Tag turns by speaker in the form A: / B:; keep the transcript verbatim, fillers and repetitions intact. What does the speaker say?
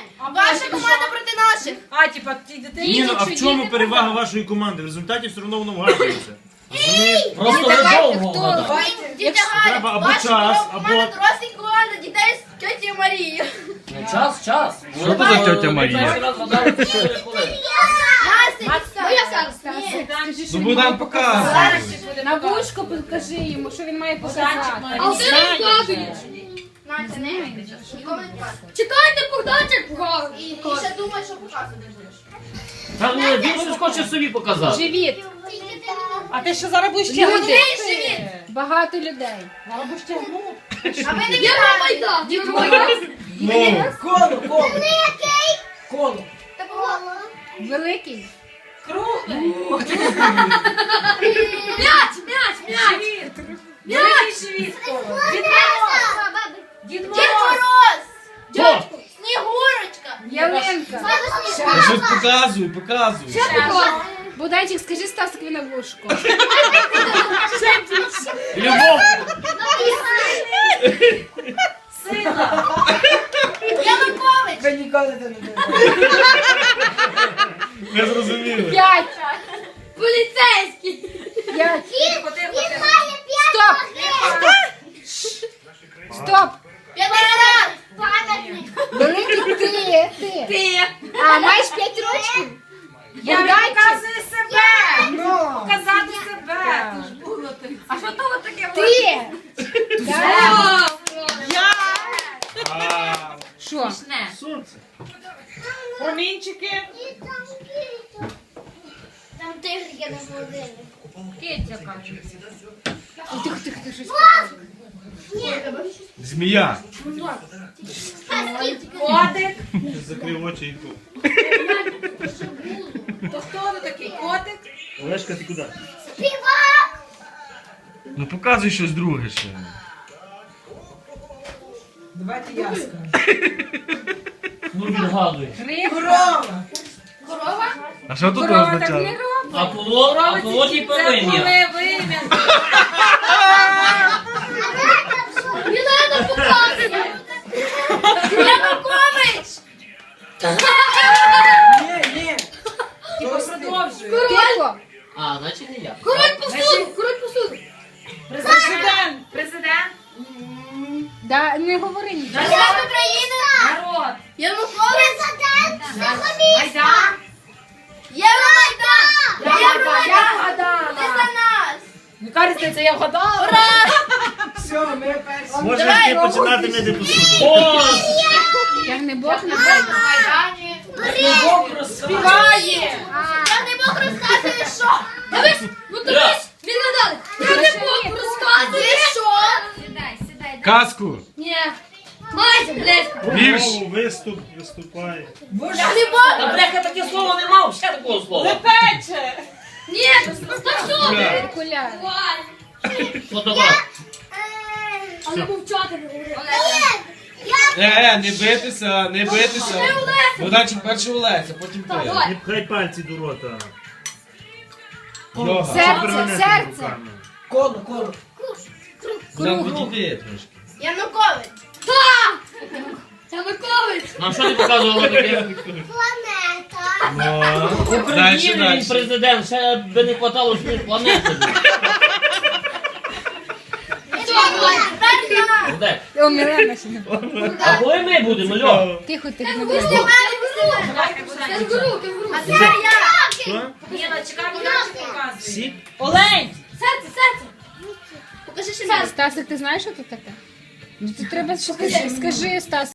A: Ваша команда проти наших.
B: А, типа, ті дитині.
C: Ні, ну а в чому перевага вашої команди? В результаті все одно воно вгадується. Розумієш?
D: Просто ви довго вгадали.
A: Дітя Галя,
C: треба або
A: ваша
C: час,
A: команда
C: або-
A: дорослі команда дітей з тьоті Марії.
D: Ну, час, час.
E: Що це за тьотя Марія?
D: Ви перший раз вгадали чотири хвилини.
A: Настя, моя Сарста.
E: Ну Богдан показує.
B: На вушко покажи йому, що він має показати.
A: А ти розкладуєш. Настя, не чекайте, Богданчик погав. І ще думає, що показувати будеш.
D: Та ні, він щось хоче собі показати.
B: Живіт. А ти що зараз будеш
A: Люди.
B: тягнути?
A: Живіт.
B: Багато людей. Зараз будеш тягнути.
A: А ви не Євромайдан.
C: Ну,
F: Коло, коло. Коло.
B: Великий. Круглий.
A: М'яч, м'яч, м'яч.
B: Великий живіт. Дід
A: Дід
B: Мороз.
A: Мороз.
D: Хто?
A: Снігурочка.
B: Ялинка.
E: Щось показуй, показуй.
B: Буданчик, скажи Стасикові на вушко.
D: Любов.
A: Янукович.
F: Ви ніколи це не думали.
C: не зрозуміли.
B: П'ять.
A: Поліцейський.
B: П'ять. Стоп. Стоп.
A: П'ятдесят. Пам'ятник.
B: Великий ти. Ти.
A: Ти.
B: А, маєш п'ять рочків? Я Буданчик. показую себе.
F: Ну.
B: Показати себе. А що то таке? Ти. Так.
C: А,
B: Що?
C: сонце.
B: Промінчики.
A: Там тигр є на холодильнику.
B: Тихо, тихо, ти щось.
C: Змія.
B: Котик.
C: Закрив очі і тут.
B: То хто ви такий? Котик?
C: Олешка, ти куди?
A: Співак.
C: Ну показуй щось друге ще.
F: Давайте я скажу.
D: Ну відгадуй.
F: Корова.
A: Корова.
C: А що тут
B: Корова так
C: означало?
B: не робить.
D: А коло, а коло ті повинні.
B: вим'я.
A: Мілена показує. Янукович.
F: Ні, ні.
B: Продовжуй.
A: Король.
D: А, значить не я.
A: Король посуду. Король посуду.
B: Президент. Президент. Да, не говори нічого.
A: Президент України.
B: Народ.
A: Янукович. Президент.
B: Майдан.
A: Євромайдан.
B: Я
A: Євромайдан.
B: вгадала.
A: Ти за нас.
B: Яка різниця, я вгадала?
F: Все, ми перші.
C: Можеш ти починати мити посуду.
D: О!
B: Я не Бог на
A: Майдані.
F: Бог розказує.
B: співає.
A: Я не мог розказувати, що. Дивись, ну дивись, він надали. Я не мог розказувати, що.
B: Сідай, сідай.
E: Казку.
A: Ні. Майже, блядь.
E: Вірш.
C: Знову виступ, виступає.
A: Я не мог.
D: Та бляха, таке слово не мав, ще такого слова.
B: Пече.
A: Ні, розказуй.
B: Окуляри.
D: Фотограф.
A: Але мовчати не говорив.
E: Е, е, не битися, не битися. Богданчик перший Олеся, потім ти.
C: Не пхай пальці до рота.
E: Йога.
B: Серце,
C: Перевернути
B: серце.
C: руками.
F: Коло, коло.
E: Нам відійди трошки.
A: Янукович. Так! Янукович.
D: Нам що ти показувала таке?
A: Планета.
E: Ну,
D: В
E: дальше,
D: Україні він
E: дальше.
D: президент, ще би не хватало, що він планети. Де?
B: О, Мілена ще не.
D: Або і ми будемо, Льо.
B: Тихо, тихо. не
A: Кенгуру,
B: будь.
A: кенгуру. Кенгуру. А це я.
C: Що?
B: Ніна, чекай, Буданчик показує.
C: Сік?
B: Олень.
A: Серце, серце. Покажи ще серце.
B: Стасик, ти знаєш, що це таке? Ну, це треба, скажи, скажи, Стас.